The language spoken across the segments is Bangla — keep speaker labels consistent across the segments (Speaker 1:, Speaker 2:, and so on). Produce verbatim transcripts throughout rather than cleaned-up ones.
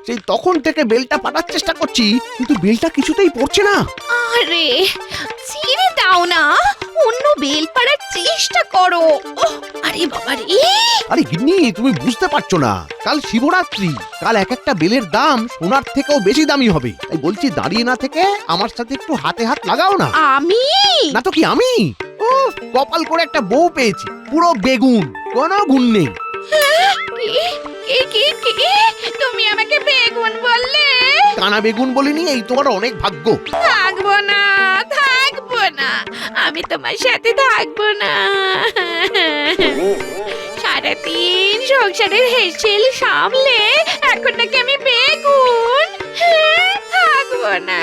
Speaker 1: সেই তখন থেকে বেলটা পাঠার চেষ্টা করছি, কিন্তু বেলটা কিছুতেই পড়ছে না।
Speaker 2: আরে ছেড়ে দাও না, অন্য বেল পাড়ার চেষ্টা করো। ওহ, আরে বাবা রে!
Speaker 1: আরে গিন্নি, তুমি বুঝতে পারছো না, কাল শিবরাত্রি, কাল এক একটা বেলের দাম সোনার থেকেও বেশি দামি হবে। তাই বলছি দাঁড়িয়ে না থেকে আমার সাথে একটু হাতে হাত লাগাও না।
Speaker 2: আমি?
Speaker 1: না তো কি আমি? ও কপাল করে একটা বউ পেয়েছি, পুরো বেগুন, কোনো গুণ নেই।
Speaker 2: কি কি কি কি? তুমি আমাকে বেগুন বললে?
Speaker 1: কানা বেগুন বলিনি, এই তোমার অনেক ভাগ্য।
Speaker 2: থাকবো না, থাকবো না, আমি তোমার সাথে থাকবো না। সারাদিন সংসারের হেসেল সামলে এখন নাকি আমি বেগুন? হ্যাঁ, থাকবো না।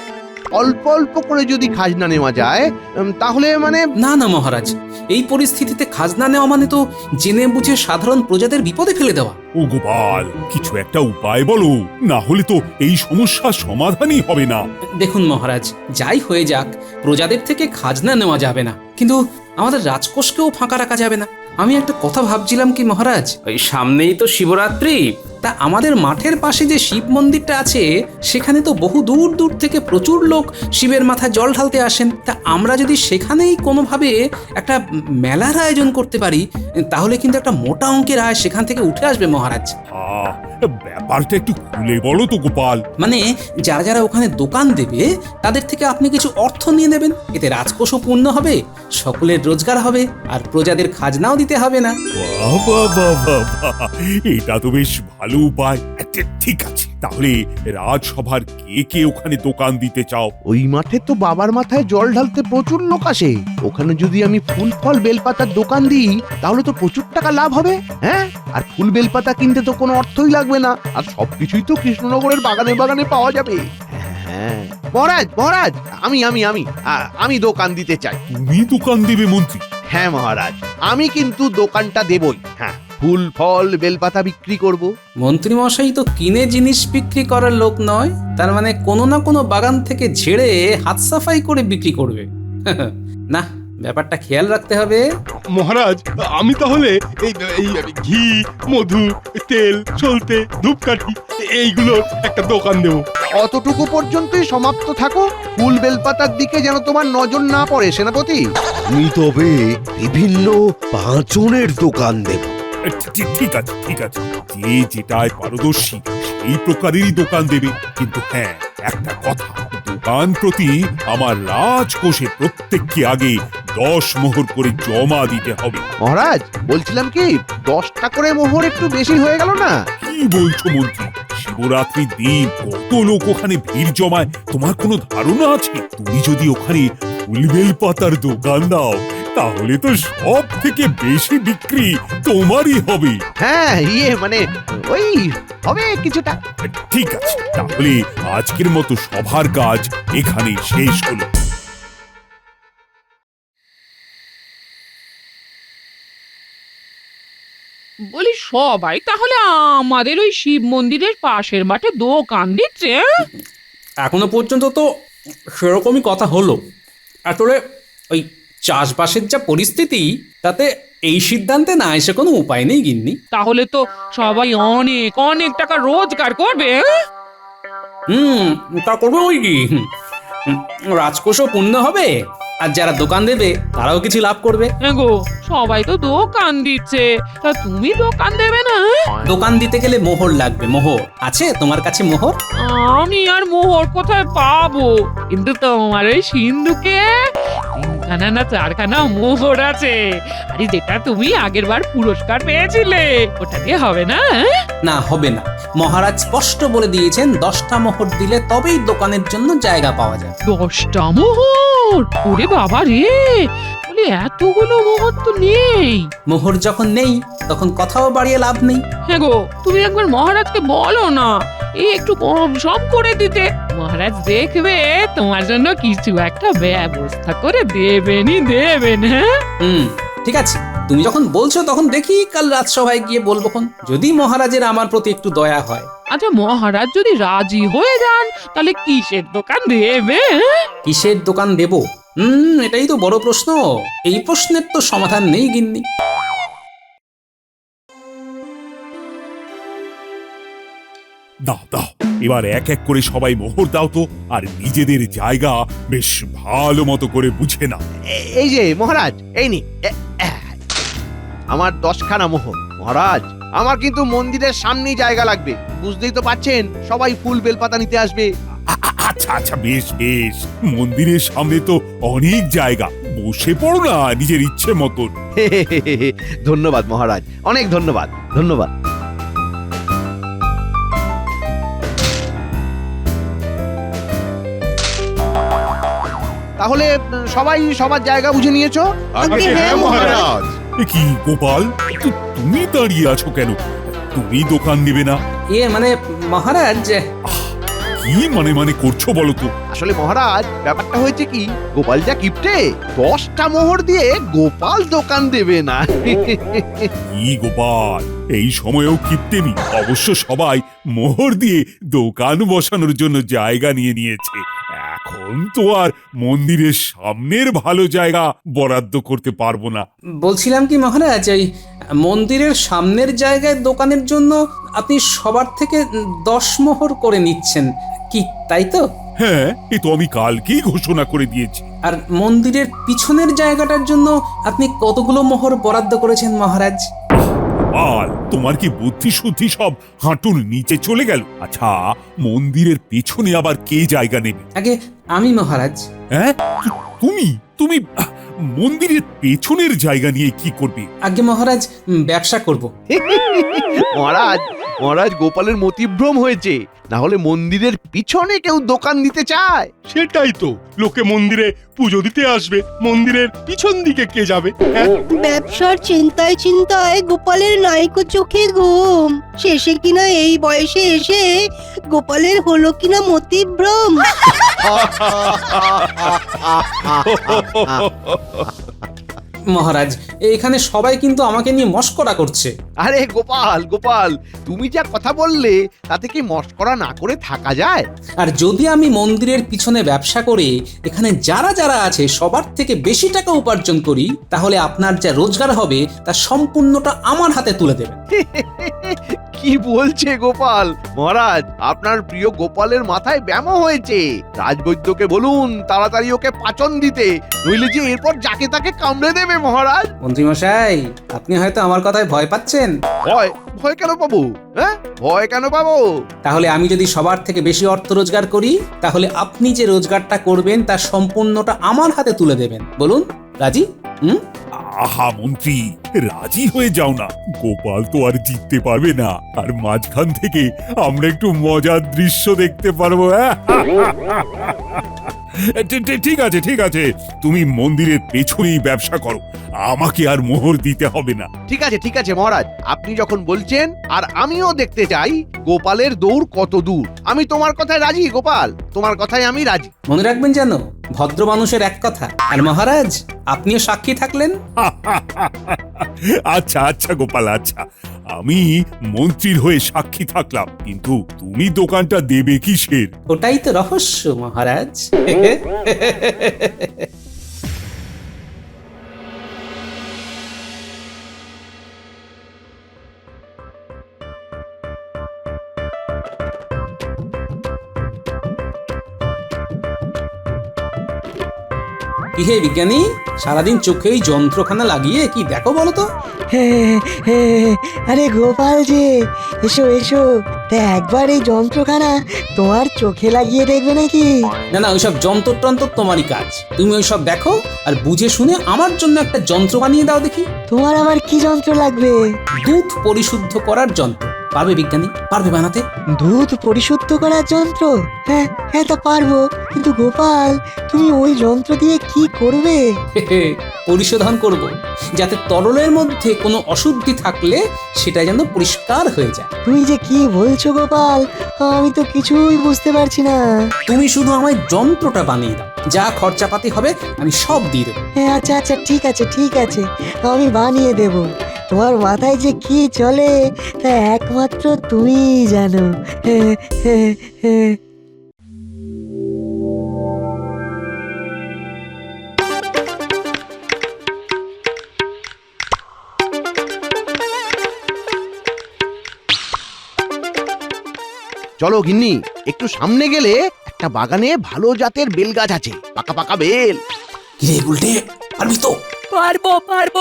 Speaker 1: অল্প অল্প করে যদি খাজনা নেওয়া যায় উম, তাহলে মানে
Speaker 3: না না মহারাজ, এই পরিস্থিতিতে খাজনা নেওয়া মানে তো জেনে বুঝে সাধারণ প্রজাদের বিপদে ফেলে দেওয়া।
Speaker 4: ও গোপাল, কিছু একটা উপায় বলো, না হলে তো এই সমস্যার সমাধানই হবে না।
Speaker 3: দেখুন মহারাজ, যাই হয়ে যাক, প্রজাদের থেকে খাজনা নেওয়া যাবে না, কিন্তু আমাদের রাজকোষকেও ফাঁকা রাখা যাবে না। আমি একটা কথা ভাবছিলাম কি মহারাজ, ওই সামনেই তো শিবরাত্রি, তা আমাদের মাঠের পাশে যে শিব মন্দিরটা আছে সেখানে তো বহু দূর দূর থেকে প্রচুর লোক শিবের মাথায় জল ঢালতে আসেন। তা আমরা যদি সেখানেই কোনোভাবে একটা মেলার আয়োজন করতে পারি, তাহলে কিন্তু একটা মোটা অঙ্কের আয় সেখান থেকে উঠে আসবে মহারাজ।
Speaker 4: আহ, ব্যাপারটা একটু খুলে বলো তো গোপাল।
Speaker 3: মানে যারা যারা ওখানে দোকান দেবে তাদের থেকে আপনি কিছু অর্থ নিয়ে নেবেন, এতে রাজকোষও পূর্ণ হবে, সকলের রোজগার হবে, আর প্রজাদের খাজনাও দিতে হবে না।
Speaker 4: বাহ বাহ বাহ বাহ বাহ, এটা তো বেশ ভালো উপায়। আচ্ছা, ঠিক আছে, তাহলে রাজসভার কে কে ওখানে দোকান দিতে চাও?
Speaker 1: ওই মাঠে তো বাবার মাথায় জল ঢালতে প্রচুর লোক আসে, ওখানে যদি আমি ফুল ফল বেলপাতার দোকান দিই তাহলে তো প্রচুর টাকা লাভ হবে। হ্যাঁ, আর ফুল বেলপাতা কিনতে তো কোনো অর্থই লাগবে না, আর সবকিছুই তো কৃষ্ণনগরের বাগানে বাগানে পাওয়া যাবে। হ্যাঁ মহারাজ, মহারাজ, আমি আমি আমি আ- আমি দোকান দিতে চাই।
Speaker 4: তুমি দোকান দেবে মন্ত্রী?
Speaker 1: হ্যাঁ মহারাজ, আমি কিন্তু দোকানটা দেবই। হ্যাঁ, ফুল ফল বেলপাতা বিক্রি করব।
Speaker 3: মন্ত্রী মশাই তো কিনে জিনিস বিক্রি করার লোক নয়, তার মানে কোনো না কোনো বাগান থেকে ঝেড়ে হাত সাফাই করে বিক্রি করবে। না, ব্যাপারটা খেয়াল রাখতে হবে।
Speaker 5: মহারাজ, আমি তাহলে এই এই ঘি, মধু, তেল, সলতে, ধূপকাঠি এইগুলোর একটা দোকান দেবো।
Speaker 1: অতটুকু পর্যন্তই সমাপ্ত থাকো, ফুল বেলপাতার দিকে যেন তোমার নজর না পড়ে সেনাপতি।
Speaker 6: আমি তবে বিভিন্ন পাঁচনের দোকান দেব।
Speaker 4: ঠিক ঠিক আছে, ঠিক আছে, যে যেটায় পারদর্শী এই প্রকারেরই দোকান দেবে। কিন্তু হ্যাঁ, একটা কথা, দোকান প্রতি আমার রাজকোষে প্রত্যেককে আগে দশ মোহর করে জমা দিতে হবে।
Speaker 1: মহারাজ, বলছিলাম কি, দশটা করে মোহর একটু বেশি হয়ে গেল না?
Speaker 4: কি বলছো মন্ত্রী? শিবরাত্রির দিন কত লোক ওখানে ভিড় জমায় তোমার কোনো ধারণা আছে? তুমি যদি ওখানে ফুলবেল পাতার দোকান দাও তাহলে তো সব থেকে বেশি বিক্রি তোমারই হবে।
Speaker 1: হ্যাঁ, ইয়ে মানে ওই হবে কিছুটা।
Speaker 4: ঠিক আছে, তাহলে আজকের মতো সভার কাজ এখানেই শেষ হলো।
Speaker 7: বলি সবাই তাহলে আমাদের ওই শিব মন্দিরের পাশের মাঠে দোকান দিচ্ছে?
Speaker 3: এখনো পর্যন্ত তো সেরকমই কথা হলো। আসলে ওই চাষবাসের যা পরিস্থিতি, তাতে এই সিদ্ধান্তে না এসে কোনো উপায় নেই গিন্নি।
Speaker 7: তাহলে তো সবাই অনেক অনেক টাকা রোজগার করবে। হ্যাঁ?
Speaker 3: হুম, তা করবো ওই কি, হুম, রাজকোষও পূর্ণ হবে, আর যারা দোকান দেবে তারাও কিছু লাভ করবে।
Speaker 7: হ্যাঁ গো, সবাই তো দোকান দিচ্ছে, তা তুমি দোকান দেবে না?
Speaker 3: দোকান দিতে গেলে মোহর লাগবে। মোহর আছে তোমার কাছে? মোহর
Speaker 7: আমি আর মোহর কোথায় পাবো? কিন্তু তোমার ওই সিন্ধুকে তিনখানা না চারখানা মোহর আছে, আরে যেটা তুমি আগের বার পুরস্কার পেয়েছিলে, ওটা দিয়ে হবে না? হ্যাঁ?
Speaker 3: না, হবে না। মহারাজ স্পষ্ট বলে দিয়েছেন দশটা মোহর দিলে তবেই দোকানের জন্য জায়গা পাওয়া যায়।
Speaker 7: দশটা মোহর? ওরে বাবা রে, বলি এতগুলো মোহর তো নেই।
Speaker 3: মোহর যখন নেই তখন কথাও বাড়িয়ে লাভ নেই।
Speaker 7: হ্যাঁ গো, তুমি একবার মহারাজকে বলো না এই একটু কম সম করে দিতে। মহারাজ দেখবে তোমার জন্য কিছু একটা ব্যবস্থা করে দেবেনই দেবেন। হ্যাঁ,
Speaker 3: হুম, ঠিক আছে, তুমি যখন বলছো তখন দেখি কাল রাজসভায় গিয়ে বলবো। যদি মহারাজের আমার প্রতি একটু দয়া হয়।
Speaker 7: আচ্ছা, মহারাজ যদি রাজি হয়ে যান তাহলে কিসের দোকান দেবে? হ্যাঁ?
Speaker 3: কিসের দোকান দেব? হুম, এটাই তো বড় প্রশ্ন। এই প্রশ্নের তো সমাধান নেই গিন্নি।
Speaker 4: দাও দাও এবার এক এক করে সবাই মোহর দাও তো, আর নিজেদের জায়গা বেশ ভালো মতো করে বুঝে নাও।
Speaker 1: এ- এই যে মহারাজ, এই নি এ- এ- আমার দশখানা মোহর। মহারাজ, আমার কিন্তু মন্দিরের সামনেই জায়গা লাগবে, বুঝতেই তো পাচ্ছেন সবাই ফুল বেলপাতা নিতে আসবে।
Speaker 4: আ- আ- আচ্ছা আচ্ছা, বেশ বেশ, মন্দিরের সামনে তো অনেক জায়গা, বসে পড়ো না নিজের ইচ্ছে মতন।
Speaker 1: ধন্যবাদ মহারাজ, অনেক ধন্যবাদ ধন্যবাদ। তাহলে উম, সবাই সবার জায়গা বুঝে নিয়েছো?
Speaker 5: আগে হ্যাঁ মহারাজ।
Speaker 4: এ কি গোপাল, তু- তুমি দাঁড়িয়ে আছো কেন? তুমি দোকান নেবে না?
Speaker 3: এ মানে মহারাজ,
Speaker 4: কি মানে মানে করছো বলো তো?
Speaker 1: আসলে মহারাজ, ব্যাপারটা হয়েছে কি, গোপাল যা কিপটে, দশটা মোহর দিয়ে গোপাল দোকান দেবে না।
Speaker 4: কি গোপাল, এই সময়েও কিপ্টেমি? অবশ্য সবাই মোহর দিয়ে দোকান বসানোর জন্য জায়গা নিয়ে নিয়েছে, এখন তো আর মন্দিরের সামনের ভালো জায়গা বরাদ্দ করতে পারবো না।
Speaker 3: বলছিলাম কি মহারাজ, এই মন্দিরের সামনের জায়গায় দোকানের জন্য আপনি সবার থেকে দশ মোহর করে নিচ্ছেন কি, তাই তো?
Speaker 4: হ্যাঁ, এ তো আমি কালকেই ঘোষণা করে দিয়েছি।
Speaker 3: আর মন্দিরের পিছনের জায়গাটার জন্য আপনি কতগুলো মোহর বরাদ্দ করেছেন মহারাজ?
Speaker 4: আর তোমার কি বুদ্ধি শুদ্ধি সব হাঁটুর নিচে চলে গেল? আচ্ছা, মন্দিরের পেছনে আবার কে জায়গা নেবে?
Speaker 3: আগে আমি মহারাজ।
Speaker 4: হ্যাঁ, তু- তুমি তুমি আহ, মন্দিরের পেছনের জায়গা নিয়ে কি করবে?
Speaker 3: আগে মহারাজ, উম, ব্যবসা করব।
Speaker 1: মহারাজ, মহারাজ গোপালের মতিভ্রম হয়েছে, না হলে মন্দিরের পিছনে কেউ দোকান দিতে চায়?
Speaker 5: সেটাই তো, লোকে মন্দিরে পুজো দিতে আসবে, মন্দিরের পিছন দিকে কে যাবে? হ্যাঁ?
Speaker 8: ব্যবসার চিন্তায় চিন্তায় গোপালের নাইকো চোখে ঘুম, শেষে কিনা এই বয়সে এসে গোপালের হলো কিনা মতিভ্রম।
Speaker 3: মহারাজ, এখানে সবাই কিন্তু আমাকে নিয়ে মস্করা করছে।
Speaker 1: আরে গোপাল গোপাল, তুমি যা কথা বললে তাতে কি মস্করা না করে থাকা যায়?
Speaker 3: আর যদি আমি মন্দিরের পিছনে ব্যবসা করে এখানে যারা যারা আছে সবার থেকে বেশি টাকা উপার্জন করি, তাহলে আপনার যা রোজগার হবে তার সম্পূর্ণটা আমার হাতে তুলে দেবেন।
Speaker 1: কি বলছে গোপাল? মহারাজ, আপনার প্রিয় গোপালের মাথায় ব্যামো হয়েছে, রাজবৈদ্যকে বলুন তাড়াতাড়ি ওকে পাচন দিতে, নইলে যে এরপর যাকে তাকে কামড়ে দেবে মহারাজ।
Speaker 3: মন্ত্রীমশাই, আপনি হয়তো আমার কথায় ভয় পাচ্ছেন।
Speaker 1: ভয়? ভয় কেন পাবো? হ্যাঁ, ভয় কেন পাবো?
Speaker 3: তাহলে আমি যদি সবার থেকে বেশি অর্থ রোজগার করি, তাহলে আপনি যে রোজগারটা করবেন তার সম্পূর্ণটা আমার হাতে তুলে দেবেন। বলুন, রাজি? হুম?
Speaker 4: আহা মন্ত্রী, রাজি হয়ে যাও না, গোপাল তো আর জিততে পারবে না, আর মাঝখান থেকে আমরা একটু মজার দৃশ্য দেখতে পারবো। ঠি- ঠি- ঠিক আছে ঠিক আছে, তুমি মন্দিরের পেছনেই ব্যবসা করো, আমাকে আর মোহর দিতে হবে না।
Speaker 1: ঠিক আছে ঠিক আছে মহারাজ, আপনি যখন বলছেন, আর আমিও দেখতে চাই গোপালের দৌড় কত দূর। আমি তোমার কথায় রাজি গোপাল, তোমার কথায় আমি রাজি।
Speaker 3: মনে রাখবেন যেন, ভদ্র মানুষের এক কথা। আর মহারাজ, আপনিও সাক্ষী থাকলেন।
Speaker 4: আচ্ছা আচ্ছা গোপাল, আচ্ছা, আমি মন্ত্রীর হয়ে সাক্ষী থাকলাম, কিন্তু তুমি দোকানটা দেবে কিসের?
Speaker 3: ওটাই তো রহস্য মহারাজ। কি হে বিজ্ঞানী, সারাদিন চোখেই যন্ত্রখানা লাগিয়ে কি দেখো বলো তো?
Speaker 9: আরে গোপাল যে, এসো এসো, তা একবার এই যন্ত্রখানা তোমার চোখে লাগিয়ে দেখবে নাকি?
Speaker 3: না না, ওইসব যন্ত্র টন্ত্র তোমারই কাজ। তুমি ওইসব দেখো আর বুঝে শুনে আমার জন্য একটা যন্ত্র বানিয়ে দাও দেখি।
Speaker 9: তোমার আমার কি যন্ত্র লাগবে?
Speaker 3: দুধ পরিশুদ্ধ করার যন্ত্র। পারবে বিজ্ঞানী? পারবে বানাতে?
Speaker 9: দুধ পরিশুদ্ধ করার যন্ত্র? হ্যাঁ হ্যাঁ, তা পারবো, কিন্তু গোপাল তুমি ওই যন্ত্র দিয়ে কি করবে?
Speaker 3: পরিশোধন করব, যাতে তরলের মধ্যে কোনো অশুদ্ধি থাকলে সেটা যেন পরিষ্কার হয়ে যায়।
Speaker 9: তুমি যে কি বলছো গোপাল, আমি তো কিছুই বুঝতে পারছি না।
Speaker 3: তুমি শুধু আমায় যন্ত্রটা বানিয়ে দাও, যা খরচাপাতি হবে আমি সব দিয়ে দেবো।
Speaker 9: হ্যাঁ আচ্ছা আচ্ছা, ঠিক আছে ঠিক আছে, আমি বানিয়ে দেব। তোমার মাথায় যে কি চলে তা একমাত্র তুমিই জানো। হ্যাঁ হ্যাঁ হ্যাঁ।
Speaker 1: চলো গিন্নি, একটু সামনে গেলে একটা বাগানে ভালো জাতের বেল গাছ আছে, পাকা পাকা বেল।
Speaker 3: কিরে উল্টে পারবি তো?
Speaker 9: পারবো পারবো।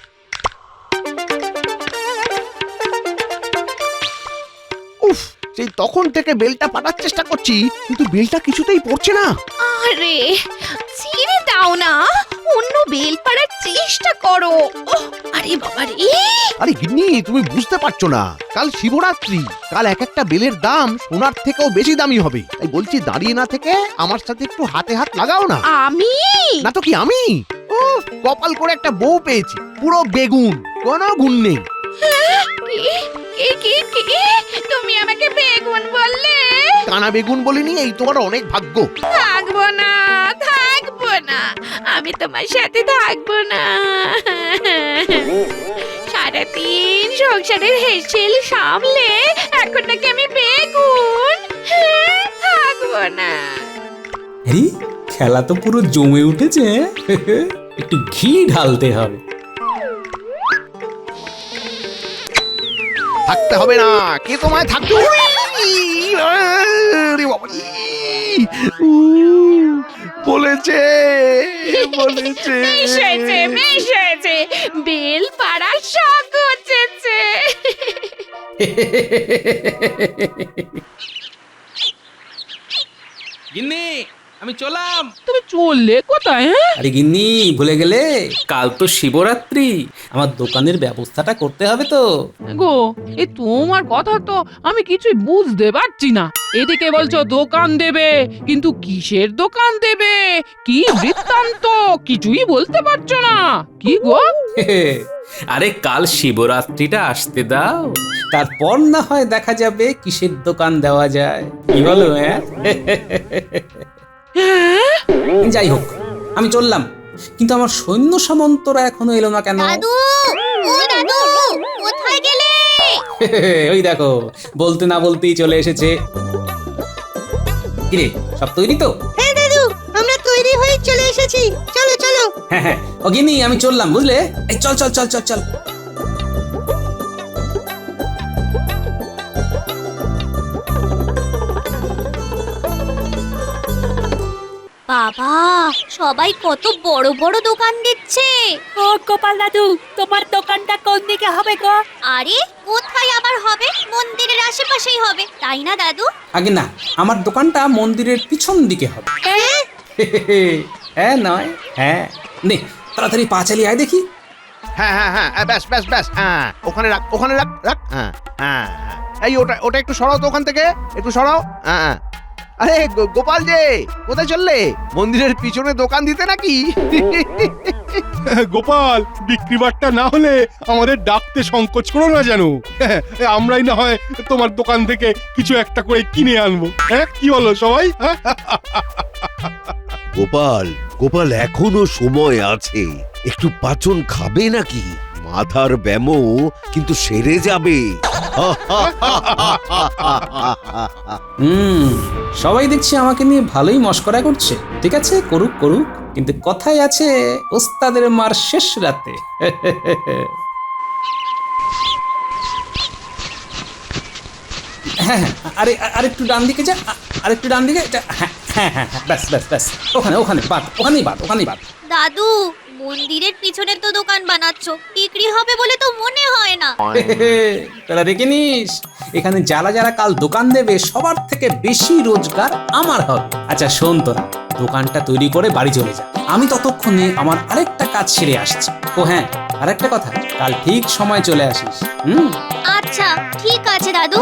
Speaker 1: উফ, সেই তখন থেকে বেলটা পাঠার চেষ্টা করছি, কিন্তু বেলটা কিছুতেই পড়ছে না।
Speaker 2: আরে ছিঁড়ে দাও না, অন্য বেল পাড়ার চেষ্টা করো। ওহ, আরে বাবা রে,
Speaker 1: আরে গিন্নি, তুমি বুঝতে পারছো না, কাল শিবরাত্রি, কাল এক একটা বেলের দাম সোনার থেকেও বেশি দামি হবে। তাই বলছি দাঁড়িয়ে না থেকে আমার সাথে একটু হাতে হাত লাগাও না।
Speaker 2: আমি
Speaker 1: না তো কি আমি? ও কপাল করে একটা বউ পেয়েছি, পুরো বেগুন, কোনো গুণ নেই।
Speaker 2: কি কি কি কি? তুমি আমাকে বেগুন বললে?
Speaker 1: কানা বেগুন বলিনি, এই তোমার অনেক ভাগ্য।
Speaker 2: থাকবো না, থাকবো না, আমি তোমার সাথে থাকবো না। সারাদিন সংসারের হেসেল সামলে এখন নাকি আমি বেগুন? হ্যাঁ, থাকবো না।
Speaker 3: আরে খেলা তো পুরো জমে উঠেছে। একটু ঘি ঢালতে হবে।
Speaker 1: থাকতে হবে না, কে তোমায় থাকতে হবে? আরে বাবা রে! উ, বলেছে বলেছে
Speaker 2: বেশ হয়েছে, বেশ হয়েছে, বেল পাড়ার শখ হচ্ছে।
Speaker 3: গিন্নি আমি চলাম।
Speaker 7: তুমি চললে কোথায়? হ্যাঁ,
Speaker 3: আরে গিন্নি ভুলে গেলে, কাল তো শিবরাত্রি, আমার দোকানের ব্যবস্থাটা করতে হবে তো।
Speaker 7: গো এ তোমার কথা তো আমি কিছুই বুঝতে পারছি না। এদিকে বলছো দোকান দেবে, কিন্তু কিসের দোকান দেবে, কি বৃত্তান্ত কিছুই বলতে পারছো না। কি গো?
Speaker 3: আরে কাল শিবরাত্রিটা আসতে দাও, তারপর না হয় দেখা যাবে কিসের দোকান দেওয়া যায়। কি বলো? হ্যাঁ যাই হোক, আমি চললাম, কিন্তু আমার সৈন্য সামন্তরা এখনো এলো না কেন?
Speaker 2: দাদু, ও দাদু, কোথায় গেলে?
Speaker 3: ওই দেখো, বলতে না বলতেই চলে এসেছে। কিরে, সব তৈরি তো?
Speaker 8: হ্যাঁ দাদু, আমরা তৈরি হয়ে চলে এসেছি, চলো চলো।
Speaker 3: হ্যাঁ হ্যাঁ, ও গিন্নি আমি চললাম, বুঝলে? এই চল চল চল চল চল।
Speaker 2: বাবা, সবাই কত বড় বড় দোকান দিচ্ছে।
Speaker 9: ও গোপাল দাদু, তোমার দোকানটা কোন দিকে হবে গো?
Speaker 2: আরে কোথায় আবার হবে? মন্দিরের আশেপাশেই হবে, তাই না দাদু?
Speaker 3: আগে না, আমার দোকানটা মন্দিরের পিছন দিকে হবে। হ্যাঁ নয়, হ্যাঁ নে তাড়াতাড়ি পা চালিয়ে আয় দেখি।
Speaker 1: হ্যাঁ হ্যাঁ হ্যাঁ, ব্যাস ব্যাস ব্যাস, হ্যাঁ ওখানে রাখ, ওখানে রাখ রাখ। হ্যাঁ হ্যাঁ হ্যাঁ। এই ওটা ওটা একটু সরাও তো ওখান থেকে, একটু সরাও। হ্যাঁ হ্যাঁ। আরে গো- গোপাল যে, কোথায় চললে? মন্দিরের পিছনে দোকান দিতে নাকি?
Speaker 5: গোপাল, বিক্রি বাট্টা না হলে আমাদের ডাকতে সংকোচ করো না যেন। আমরাই না হয় তোমার দোকান থেকে কিছু একটা করে কিনে আনবো। হ্যাঁ কি বলো সবাই? হ্যাঁ?
Speaker 6: গোপাল গোপাল এখনো সময় আছে, একটু পাচন খাবে নাকি? মাথার ব্যামো কিন্তু সেরে যাবে।
Speaker 3: হুম, সবাই দেখছি আমাকে নিয়ে ভালোই মশকরা করছে। ঠিক আছে, করুক করুক, কিন্তু কথাই আছে ওস্তাদের মার শেষ রাতে। হ্যাঁ হ্যাঁ, আরে আরেকটু ডান দিকে যা, আরেকটু ডান দিকে যা। হ্যাঁ হ্যাঁ হ্যাঁ হ্যাঁ, ব্যাস ব্যাস ব্যাস, ওখানে ওখানে বাদ, ওখানেই বাদ, ওখানেই বাদ।
Speaker 2: দাদু, মন্দিরের পিছনে তো দোকান বানাচ্ছো, বিক্রি হবে বলে তো মনে হয় না।
Speaker 3: তোরা দেখে নিস, এখানে যারা যারা কাল দোকান দেবে সবার থেকে বেশি রোজগার আমার হবে। আচ্ছা শোন, তোরা দোকানটা তৈরি করে বাড়ি চলে যা, আমি ততক্ষণে আমার আরেকটা কাজ সেরে আসছি। ও হ্যাঁ, আরেকটা কথা, কাল ঠিক সময় চলে আসিস। হুম,
Speaker 2: আচ্ছা ঠিক আছে দাদু।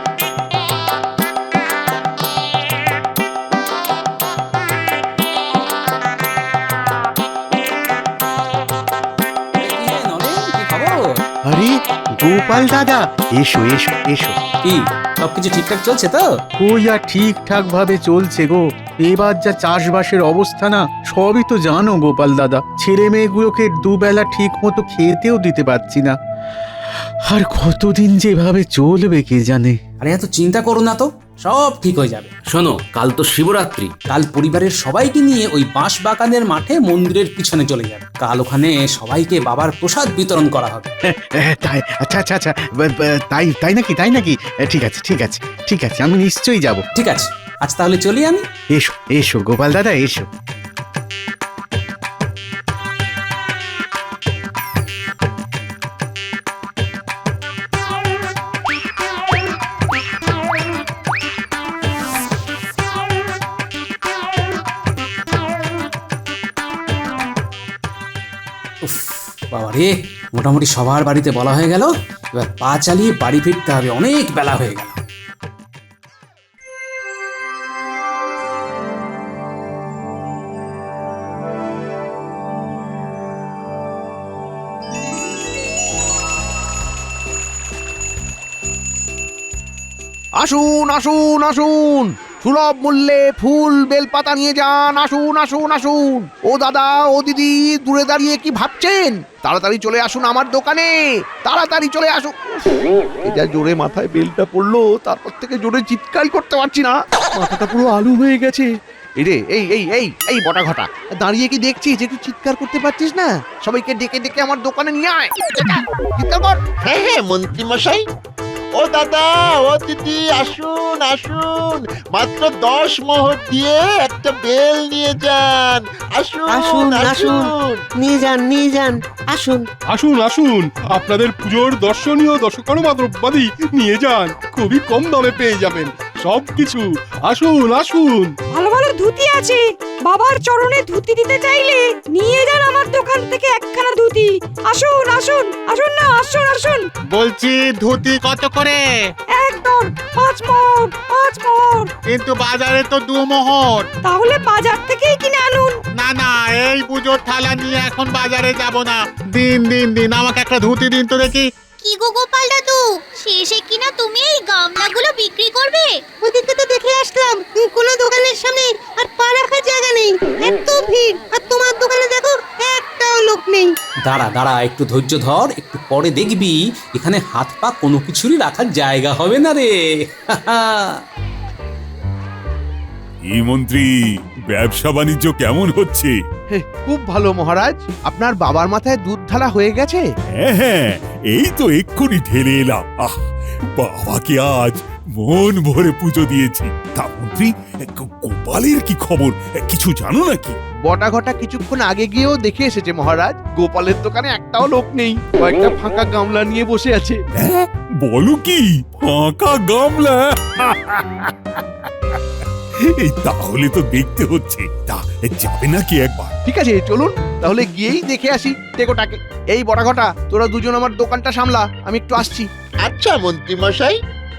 Speaker 10: আরে গোপাল দাদা, এসো এসো এসো।
Speaker 3: কি সবকিছু ঠিকঠাক চলছে তো?
Speaker 10: কই আর ঠিকঠাক ভাবে চলছে গো, এবার যা চাষবাসের অবস্থা না, সবই তো জানো গোপাল দাদা। ছেলে মেয়েগুলোকে দুবেলা ঠিক মতো খেতেও দিতে পারছি না। আর কতদিন যেভাবে চলবে কে জানে।
Speaker 3: আরে এত চিন্তা করো না তো, সব ঠিক হয়ে যাবে। শোনো, কাল তো শিবরাত্রি, কাল পরিবারের সবাইকে নিয়ে ওই বাঁশ বাগানের মাঠে মন্দিরের পিছনে চলে যাবে। কাল ওখানে সবাইকে বাবার প্রসাদ বিতরণ করা হবে।
Speaker 10: তাই আচ্ছা আচ্ছা আচ্ছা ব- ব- তাই তাই নাকি তাই নাকি এ, ঠিক আছে ঠিক আছে ঠিক আছে আমি নিশ্চয়ই যাব।
Speaker 3: ঠিক আছে, আজ তাহলে চলি আমি।
Speaker 10: এসো এসো গোপাল দাদা এসো।
Speaker 3: উফ, বাবারে, মোটামুটি সবার বাড়িতে বলা হয়ে গেল। এবার পা চালিয়ে বাড়ি ফিরতে হবে, অনেক বেলা হয়ে গেল।
Speaker 1: আসুন আসুন আসুন, সুলভ মূল্যে ফুল বেলপাতা নিয়ে যান। আসুন আসুন আসুন। ও দাদা, ও দিদি, দূরে দাঁড়িয়ে কি ভাবছেন? তাড়াতাড়ি চলে আসুন আমার দোকানে, তাড়াতাড়ি চলে আসুন। এটা জোরে মাথায় বেলটা পড়লো, তারপর থেকে জোরে চিৎকার করতে পারছি না, মাথাটা পুরো আলু হয়ে গেছে। এই রে, এই এই এই এই বটা ঘটা, দাঁড়িয়ে কি দেখছিস? একটু চিৎকার করতে পারছিস না? সবাইকে ডেকে ডেকে আমার দোকানে নিয়ে আয়, চিৎকার কর।
Speaker 11: হ্যাঁ হ্যাঁ মন্ত্রী মশাই, ও দাদা, ও দিদি, আসুন আসুন, মাত্র দশ মোহর দিয়ে একটা বেল নিয়ে যান। আসুন
Speaker 9: আসুন, আসুন।
Speaker 11: আসুন।
Speaker 9: নিয়ে যান নিয়ে যান আসুন।
Speaker 5: আসুন আসুন, আপনাদের পুজোর দর্শনীয় দশকর্মা দ্রব্যাদি নিয়ে যান, খুবই কম দামে পেয়ে যাবেন সবকিছু। আসুন আসুন।
Speaker 12: ভালো ভালো ধুতি আছে, বাবার চরণে ধুতি দিতে চাইলে নিয়ে যান আমার দোকান থেকে একখানা ধুতি। আসুন আসুন আসুন না, আসুন আসুন।
Speaker 10: বলছি ধুতি কত করে?
Speaker 12: একদম পাঁচ মোহর, পাঁচ মোহর।
Speaker 10: কিন্তু বাজারে তো দু মোহর।
Speaker 12: তাহলে বাজার থেকেই কিনে আনুন।
Speaker 10: না না, এই পুজোর থালা নিয়ে এখন বাজারে যাব না। দিন দিন দিন আমাকে একটা ধুতি দিন তো দেখি।
Speaker 2: কি গো গোপাল দাদু, শেষে কিনা তুমি এই গামলাগুলো বিক্রি করবে?
Speaker 8: ওদিকে তো দেখে আসলাম কোনো দোকানের সামনে আর পা রাখার জায়গা নেই, এত ভিড়। আর তোমার দোকানে দেখো একটাও লোক নেই।
Speaker 3: দাঁড়া দাঁড়া, একটু ধৈর্য ধর, একটু পরে দেখবি এখানে হাত পা কোনো কিছুরই রাখার জায়গা হবে না রে।
Speaker 4: এই মন্ত্রী, ব্যবসা বাণিজ্য কেমন হচ্ছে?
Speaker 1: হে, খুব ভালো মহারাজ। আপনার বাবার মাথায় দুধ ঢালা হয়ে গেছে?
Speaker 4: হ্যাঁ হ্যাঁ, এই তো এক্ষুনি ঢেলে এলাম। আহ, বাবাকে আজ মন ভরে পুজো দিয়েছি। তা মন্ত্রী, গো- গোপালের কি খবর? কিছু জানো নাকি?
Speaker 1: বটা ঘটা কিছুক্ষণ আগে গিয়েও দেখে এসেছে মহারাজ, গোপালের দোকানে একটাও লোক নেই, কয়েকটা ফাঁকা গামলা নিয়ে বসে আছে।
Speaker 4: হ্যাঁ, বলো কি, ফাঁকা গামলা? এই তাহলে তো দেখতে হচ্ছে। তা যাবে নাকি একবার?
Speaker 1: ঠিক আছে, চলুন তাহলে গিয়েই দেখে আসি টেকোটাকে। এই বটা ঘটা, তোরা দুজন আমার দোকানটা সামলা, আমি একটু আসছি।
Speaker 11: আচ্ছা মন্ত্রী মশাই।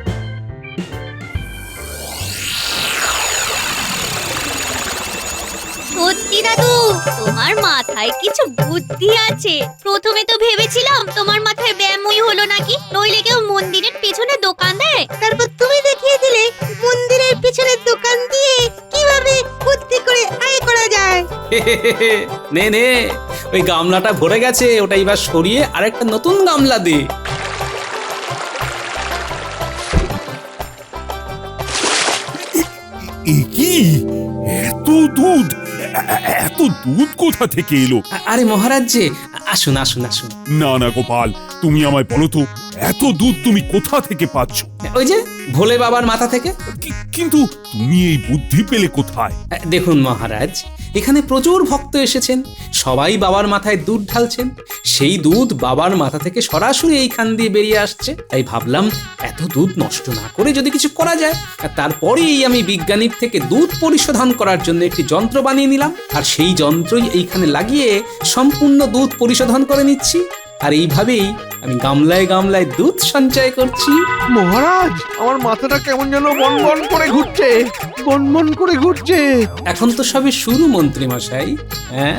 Speaker 2: সত্যি দাদু, তোমার মাথায় কিছু বুদ্ধি আছে। প্রথমে তো ভেবেছিলাম তোমার মাথায় ব্যায়ামই হলো নাকি, নইলে কেউ মন্দিরের পেছনে দোকান দেয়।
Speaker 8: তারপর তুমি দেখিয়ে দিলে মন্দিরের পিছনে দোকান দিয়ে কিভাবে বুদ্ধি করে আয় করা যায়।
Speaker 3: নে নে, ওই গামলাটা ভরে গেছে, ওটা এবার সরিয়ে আরেকটা নতুন গামলা দে।
Speaker 4: এ কি, এত দুধ? এ- এ- এত দুধ কোথা থেকে এলো?
Speaker 3: আ- আরে মহারাজ যে, আসুন আসুন আসুন।
Speaker 4: না না গোপাল, তুমি আমায় বলো তো, এত দুধ তুমি কোথা থেকে পাচ্ছ?
Speaker 3: ওই যে ভোলে বাবার মাথা থেকে।
Speaker 4: কি- কিন্তু তুমি এই বুদ্ধি পেলে কোথায়?
Speaker 3: আ, দেখুন মহারাজ, এখানে প্রচুর ভক্ত এসেছেন, সবাই বাবার মাথায় দুধ ঢালছেন, সেই দুধ বাবার মাথা থেকে সরাসরি এইখান দিয়ে বেরিয়ে আসছে। তাই ভাবলাম এত দুধ নষ্ট না করে যদি কিছু করা যায়। আর তারপরেই আমি বিজ্ঞানীর থেকে দুধ পরিশোধন করার জন্য একটি যন্ত্র বানিয়ে নিলাম, আর সেই যন্ত্রই এইখানে লাগিয়ে সম্পূর্ণ দুধ পরিশোধন করে নিচ্ছি। আর এইভাবেই আমি গামলায় গামলায় দুধ সঞ্চয় করছি।
Speaker 1: মহারাজ, আমার মাথাটা কেমন যেন বনবন করে ঘুরছে, বনবন করে ঘুরছে।
Speaker 3: এখন তো সবে শুরু মন্ত্রী মশাই। হ্যাঁ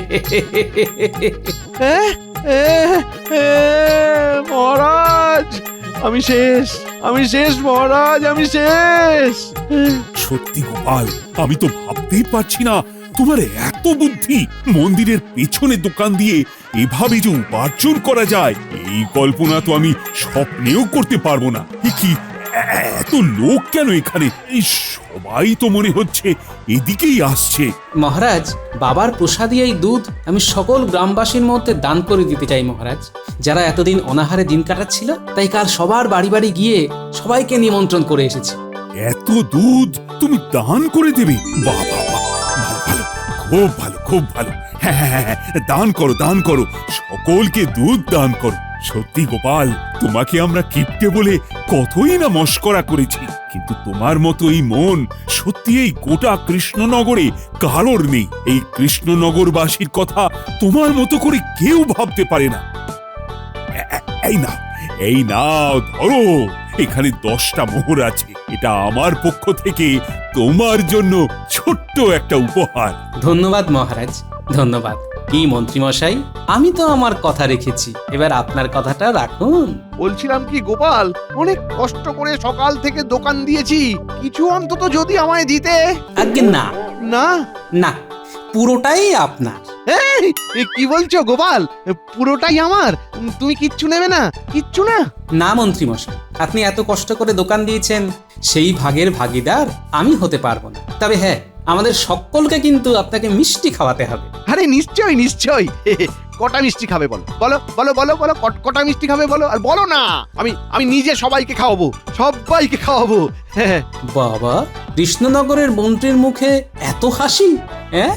Speaker 1: এ, এ, এ, মহারাজ, আমি শেষ, আমি শেষ মহারাজ, আমি শেষ।
Speaker 4: সত্যি গোপাল, আমি তো ভাবতেই পারছি না তোমার এত বুদ্ধি। মন্দিরের পেছনে দোকান দিয়ে এভাবে যে উপার্জন করা যায়, এই কল্পনা তো আমি স্বপ্নেও করতে পারবো না। এ কি, এ- এ- এত লোক কেন এখানে? এই সবাই তো মনে হচ্ছে এদিকেই আসছে।
Speaker 3: মহারাজ, বাবার প্রসাদী এই দুধ আমি সকল গ্রামবাসীর মধ্যে দান করে দিতে চাই মহারাজ, যারা এতদিন অনাহারে দিন কাটাচ্ছিল। তাই কাল সবার বাড়ি বাড়ি গিয়ে সবাইকে নিমন্ত্রণ করে এসেছি।
Speaker 4: এত দুধ তুমি দান করে দেবে? বাহ বাহ বাহ, ভালো ভালো, খুব ভালো খুব ভালো। হ্যাঁ হ্যাঁ হ্যাঁ, দান করো দান করো, সকলকে দুধ দান করো। সত্যি গোপাল, তোমাকে আমরা কিপ্টে বলে কতই না মস্করা করেছি, কিন্তু তোমার মতো এই মন সত্যি এই গোটা কৃষ্ণনগরে কারোর নেই। এই কৃষ্ণনগরবাসীর কথা তোমার মতো করে কেউ ভাবতে পারে না। এ- এ- এই না এই নাও, ধরো, এখানে দশটা মোহর আছে। এটা আমার পক্ষ থেকে তোমার জন্য ছোট্ট একটা উপহার।
Speaker 3: ধন্যবাদ মহারাজ, ধন্যবাদ। কি মন্ত্রীমশাই, আমি তো আমার কথা রেখেছি, এবার আপনার কথাটা রাখুন।
Speaker 1: বলছিলাম কি গোপাল, অনেক কষ্ট করে সকাল থেকে দোকান দিয়েছি, কিছু অন্তত যদি আমায় দিতে।
Speaker 3: আজ্ঞে না,
Speaker 1: না
Speaker 3: না, পুরোটাই আপনার।
Speaker 1: এই, এ কি বলছো গোপাল? পুরোটাই আমার? তুমি কিচ্ছু নেবে না? কিচ্ছু না?
Speaker 3: না মন্ত্রীমশাই, আপনি এত কষ্ট করে দোকান দিয়েছেন, সেই ভাগের ভাগিদার আমি হতে পারবো না। তবে হ্যাঁ, আমাদের সকলকে কিন্তু আপনাকে মিষ্টি খাওয়াতে হবে।
Speaker 1: আরে নিশ্চয়ই নিশ্চয়ই। কটা মিষ্টি খাবে বলো বলো বলো বলো বলো, কট- কটা মিষ্টি খাবে বলো, আর বলো না, আমি আমি নিজে সবাইকে খাওয়াবো, সবাইকে খাওয়াবো। হ্যাঁ,
Speaker 3: বাবা, কৃষ্ণনগরের মন্ত্রীর মুখে এত হাসি, হ্যাঁ?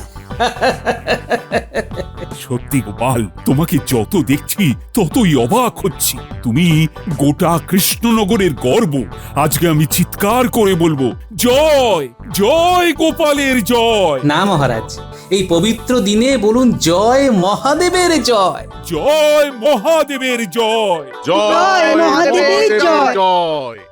Speaker 4: সত্যি গোপাল, তোমাকে যত দেখছি ততই অবাক হচ্ছি। তুমি গোটা কৃষ্ণনগরের গর্ব। আজকে আমি চিৎকার করে বলবো, জয় জয় গোপালের জয়।
Speaker 3: না মহারাজ, এই পবিত্র দিনে বলুন জয় মহাদেবের জয়।
Speaker 4: জয় মহাদেবের জয়।
Speaker 8: জয় মহাদেবের জয়।
Speaker 5: জয়।